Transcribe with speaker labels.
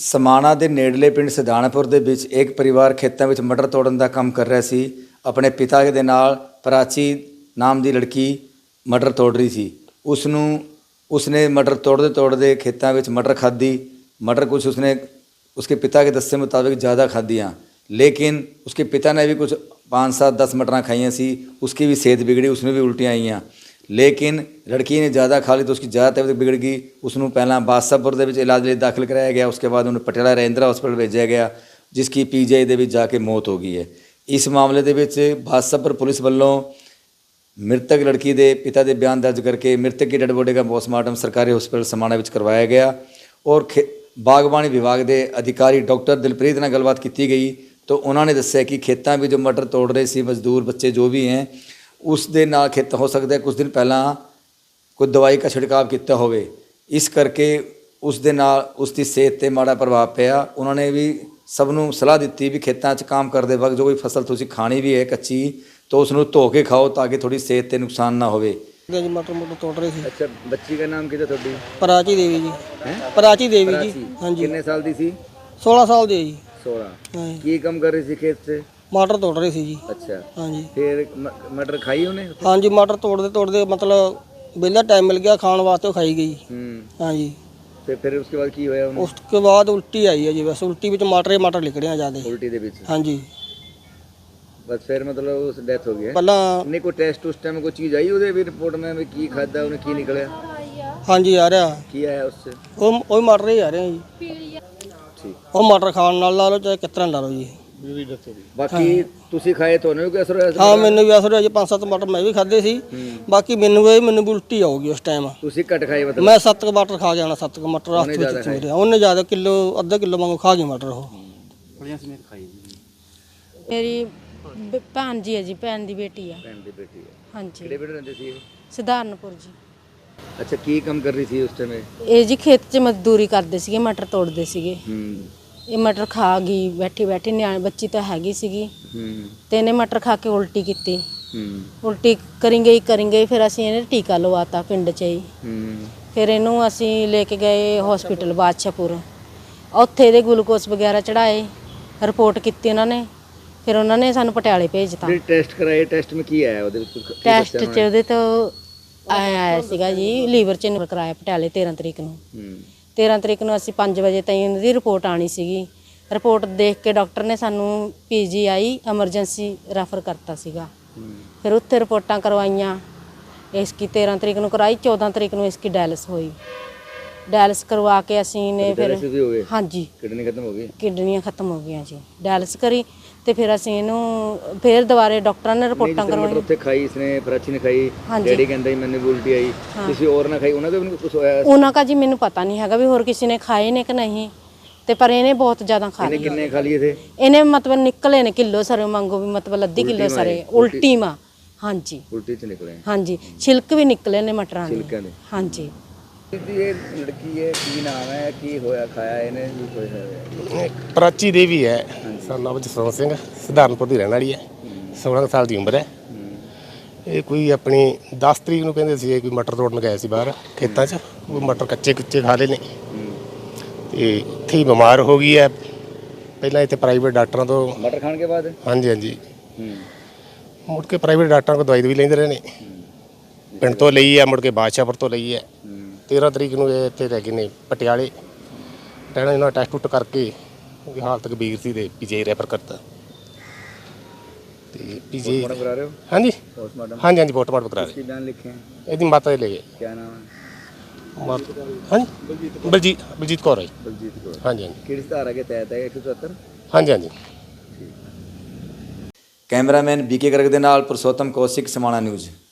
Speaker 1: ਸਮਾਣਾ ਦੇ ਨੇੜਲੇ ਪਿੰਡ ਸਿਧਾਣਪੁਰ ਦੇ ਵਿੱਚ ਇੱਕ ਪਰਿਵਾਰ ਖੇਤਾਂ ਵਿੱਚ ਮਟਰ ਤੋੜਨ ਦਾ ਕੰਮ ਕਰ ਰਿਹਾ ਸੀ। ਆਪਣੇ ਪਿਤਾ ਦੇ ਨਾਲ ਪ੍ਰਾਚੀ ਨਾਮ ਦੀ ਲੜਕੀ ਮਟਰ ਤੋੜ ਰਹੀ ਸੀ। ਉਸਨੇ ਮਟਰ ਤੋੜਦੇ ਖੇਤਾਂ ਵਿੱਚ ਮਟਰ खाधी। मटर कुछ उसके पिता के दस्से मुताबिक ज़्यादा खादियाँ, लेकिन उसके पिता ने भी कुछ 5-7-10 मटरां खाइयाँ सी। उसकी भी सेहत बिगड़ी, उसमें भी उल्टियाँ आईयाँ। लेकिन लड़की ने ज़्यादा खा ली तो उसकी ज़्यादा तबीयत बिगड़ गई। उसनों पहला बादशाहपुर ਦੇ ਵਿੱਚ इलाज ਲਈ दाखिल कराया गया। उसके बाद उन्हें पटियाला रजिंद्रा हॉस्पिटल भेजा गया, जिसकी PGI ਦੇ ਵਿੱਚ जाके मौत हो गई है। इस मामले ਦੇ ਵਿੱਚ ਬਾਦਸ਼ਾਹਪੁਰ पुलिस ਵੱਲੋਂ मृतक लड़की के पिता के बयान दर्ज करके मृतक की डेड बॉडी का पोस्टमार्टम सरकारी हॉस्पिटल समाणा में करवाया गया। और बागबानी विभाग के अधिकारी डॉक्टर दिलप्रीत नाल गलबात की गई तो उन्होंने दस्सिया कि खेतों में जो मटर तोड़ रहे थे मजदूर बच्चे जो भी हैं, उस दे नाल खेत हो सकता है कुछ दिन पहला कोई दवाई का छिड़काव किया होवे, इस करके उस दे नाल उसकी सेहत पर माड़ा प्रभाव पिया। उन्होंने भी सबनों सलाह दी भी खेतों च काम करते वक्त जो कोई फसल तुसीं खानी भी है कच्ची तो उसनों धो के खाओ ताकि थोड़ी सेहत पर नुकसान ना होवे।
Speaker 2: जी मटर तोड़ रहे थे।
Speaker 1: अच्छा, बच्ची का नाम क्या थोड़ी?
Speaker 2: प्राची देवी जी। प्राची देवी जी। हाँ जी।
Speaker 1: कितने साल दी सी? 16
Speaker 2: साल दी जी।
Speaker 1: 16। की काम कर रही थी खेत से?
Speaker 2: मटर तोड़ रही थी जी।
Speaker 1: अच्छा।
Speaker 2: हाँ जी।
Speaker 1: फिर मटर खाई उन्हें?
Speaker 2: हाँ जी, मटर तोड़ते मतलब बेला टाइम मिल गया खाने वास्ते खाई गई। हाँ जी।
Speaker 1: फिर उसके बाद की होया?
Speaker 2: उसके बाद उल्टी आई है जी। बस उल्टी विच मटर निकले ज्यादा। उल्टी दे विच? हाँ जी।
Speaker 1: बस फिर मतलब उस डेथ हो गई।
Speaker 2: पहला
Speaker 1: नहीं कोई टेस्ट उस टाइम कोई चीज आई उधर भी रिपोर्ट में भी की खादा उन्हें की निकले?
Speaker 2: हाँ जी, आ रहा
Speaker 1: की आया उससे?
Speaker 2: वो मटर ही आ रहे हैं जी। ठीक। वो मटर खाने नाल ला लो चाहे कितना ला लो जी।
Speaker 1: बाकी तुसी खाए तो नहीं कोई असर होया?
Speaker 2: हाँ, मैंने भी असर होया जी। 5-7 मटर मैं भी खाधे सी। बाकी मैनू भी उल्टी आऊगी उस टाइम।
Speaker 1: तुसी घट खाए मतलब?
Speaker 2: मैं 7 मटर खा गया, 7 मटर रास्ते में मेरे उन्हें ज़्यादा किलो अद्धा किलो वांगू खा गई मटर। वो
Speaker 3: मेरी भैन जी है जी, भैन की बेटी है।
Speaker 1: भैन की बेटी है।
Speaker 3: हाँ जी।
Speaker 1: किहड़े पिंड रहंदे सी?
Speaker 3: सिधारणपुर जी।
Speaker 1: अच्छा, की काम कर रही थी उस टाइम?
Speaker 3: ये जी खेत 'च मजदूरी करते सीगे, मटर तोड़ते सीगे। ये मटर खा गई बैठी न्याणे बच्ची तो हैगी सीगी ते इन्हें मटर खा के उल्टी की। उल्टी करी गई फिर असीं इन्हें टीका लवाता पिंड 'च ही। फिर इनू असीं लेके गए हॉस्पिटल बादशाहपुर, उत्थे इहदे ग्लूकोस वगैरह चढ़ाए, रिपोर्ट की उन्होंने। फिर उन्होंने सानू पटियाले भेजता।
Speaker 1: टेस्ट कराए? टेस्ट में की आया?
Speaker 3: टेस्ट च उहदे तो आया सीगा जी लीवर च कराया पटियाले 13 तरीक नूं। 13 तरीक नूं असीं 5 वजे ताईं उहदी रिपोर्ट आनी सीगी। रिपोर्ट देख के डॉक्टर ने सानू PGI एमरजेंसी रैफर करता सीगा। फिर उत्थे रिपोर्टां करवाइयां। इसकी 13 तरीक नूं कराई, 14 तरीक नूं इसकी डायलिस हुई। डायलिस करवा के असीं ने फिर हाँ जी किडनी खत्म हो गई। किडनियां खत्म हो गई जी। डायलिस करी ਤੇ ਫਿਰ ਅਸੀਂ ਇਹਨੂੰ ਫਿਰ ਦੁਬਾਰੇ ਡਾਕਟਰਾਂ ਨੇ ਰਿਪੋਰਟਾਂ ਕਰਵਾਈਆਂ। ਉੱਥੇ ਖਾਈ ਇਸਨੇ ਪ੍ਰਾਚੀ ਨੇ ਖਾਈ, ਡੈਡੀ ਕਹਿੰਦਾ ਮੈਨੂੰ ਉਲਟੀ ਆਈ, ਕਿਸੇ ਹੋਰ ਨਾ ਖਾਈ ਉਹਨਾਂ ਦਾ ਵੀ ਕੁਝ ਹੋਇਆ? ਉਹਨਾਂ ਦਾ ਜੀ ਮੈਨੂੰ ਪਤਾ ਨਹੀਂ ਹੈਗਾ ਵੀ ਹੋਰ ਕਿਸੇ ਨੇ ਖਾਏ ਨੇ ਕਿ ਨਹੀਂ, ਤੇ ਪਰ ਇਹਨੇ ਬਹੁਤ ਜ਼ਿਆਦਾ ਖਾ ਲਈ। ਕਿੰਨੇ ਖਾ ਲਈਏ ਥੇ? ਇਹਨੇ ਮਤਲਬ ਨਿਕਲੇ ਨੇ ਕਿਲੋ ਸਰੇ ਮੰਗੋ ਵੀ ਮਤਲਬ ਅੱਧੀ ਕਿਲੋ ਸਰੇ ਉਲਟੀ ਮਾ। ਹਾਂਜੀ, ਉਲਟੀ ਚ ਨਿਕਲੇ। ਹਾਂਜੀ, ਛਿਲਕ ਵੀ ਨਿਕਲੇ ਨੇ ਮਟਰਾਂ ਦੇ। ਛਿਲਕਾਂ ਦੇ? ਹਾਂਜੀ।
Speaker 1: ਇਹ ਲੜਕੀ ਹੈ, ਕੀ ਨਾਮ ਹੈ, ਕੀ ਹੋਇਆ ਖਾਇਆ ਇਹਨੇ ਵੀ ਹੋਇਆ?
Speaker 4: ਪ੍ਰਾਚੀ ਦੇਵੀ ਹੈ, ਨਾਮ ਜਸਵੰਤ ਸਿੰਘ, ਸਿਧਾਰਨਪੁਰ ਦੀ ਰਹਿਣ ਵਾਲੀ ਹੈ। 16 ਸਾਲ ਦੀ ਉਮਰ ਹੈ। ਇਹ ਕੋਈ ਆਪਣੀ 10 ਤਰੀਕ ਨੂੰ ਕਹਿੰਦੇ ਸੀ ਕੋਈ ਮਟਰ ਤੋੜਨ ਗਏ ਸੀ ਬਾਹਰ ਖੇਤਾਂ 'ਚ, ਉਹ ਮਟਰ ਕੱਚੇ ਖਾ ਲਏ ਨੇ ਤੇ ਇੱਥੇ ਹੀ ਬਿਮਾਰ ਹੋ ਗਈ ਹੈ। ਪਹਿਲਾਂ ਇੱਥੇ ਪ੍ਰਾਈਵੇਟ ਡਾਕਟਰਾਂ ਤੋਂ
Speaker 1: ਮਟਰ ਖਾਣ ਕੇ ਬਾਅਦ ਹਾਂਜੀ
Speaker 4: ਮੁੜ ਕੇ ਪ੍ਰਾਈਵੇਟ ਡਾਕਟਰਾਂ ਕੋਲ ਦਵਾਈ ਵੀ ਲੈਂਦੇ ਰਹੇ ਨੇ। ਪਿੰਡ ਤੋਂ ਲਈ ਹੈ, ਮੁੜ ਕੇ ਬਾਦਸ਼ਾਹਪੁਰ ਤੋਂ ਲਈ ਹੈ। 13 ਤਰੀਕ ਨੂੰ ਇਹ ਇੱਥੇ ਲੈ ਗਏ ਨੇ ਪਟਿਆਲੇ। ਟੈਣਾ ਇਹਨਾਂ ਟੈਸਟ ਟੁੱਟ ਕਰਕੇ ਉਹਦੀ ਹਾਲਤ ਗੰਭੀਰ ਸੀ ਤੇ PGI ਰੈਫਰ ਕਰਤਾ। ਤੇ PGI
Speaker 1: ਕਰਾ ਰਹੇ ਹੋ?
Speaker 4: ਹਾਂਜੀ ਹਾਂਜੀ ਪੋਸਟਮਾਰਟਮ ਕਰਾ ਰਹੇ।
Speaker 1: ਕੀ ਬਿਆਨ ਲਿਖੇ?
Speaker 4: ਇਹਦੀ ਮਾਤਾ ਦੇ ਲੈ ਗਏ।
Speaker 1: ਕੀ ਨਾਮ ਹੈ?
Speaker 4: ਹਾਂਜੀ ਬਲਜੀਤ ਕੌਰ ਹੈ।
Speaker 1: ਬਲਜੀਤ ਕੌਰ। ਹਾਂਜੀ। ਕਿਹੜੀ ਧਾਰਾ ਕੇ ਤਹਿਤ ਹੈ? 174? ਹਾਂਜੀ। ਕੈਮਰਾਮੈਨ BK ਗਰਗ ਦੇ ਨਾਲ ਪੁਰਸ਼ੋਤਮ ਕੌਸ਼ਿਕ, ਸਮਾਣਾ ਨਿਊਜ਼।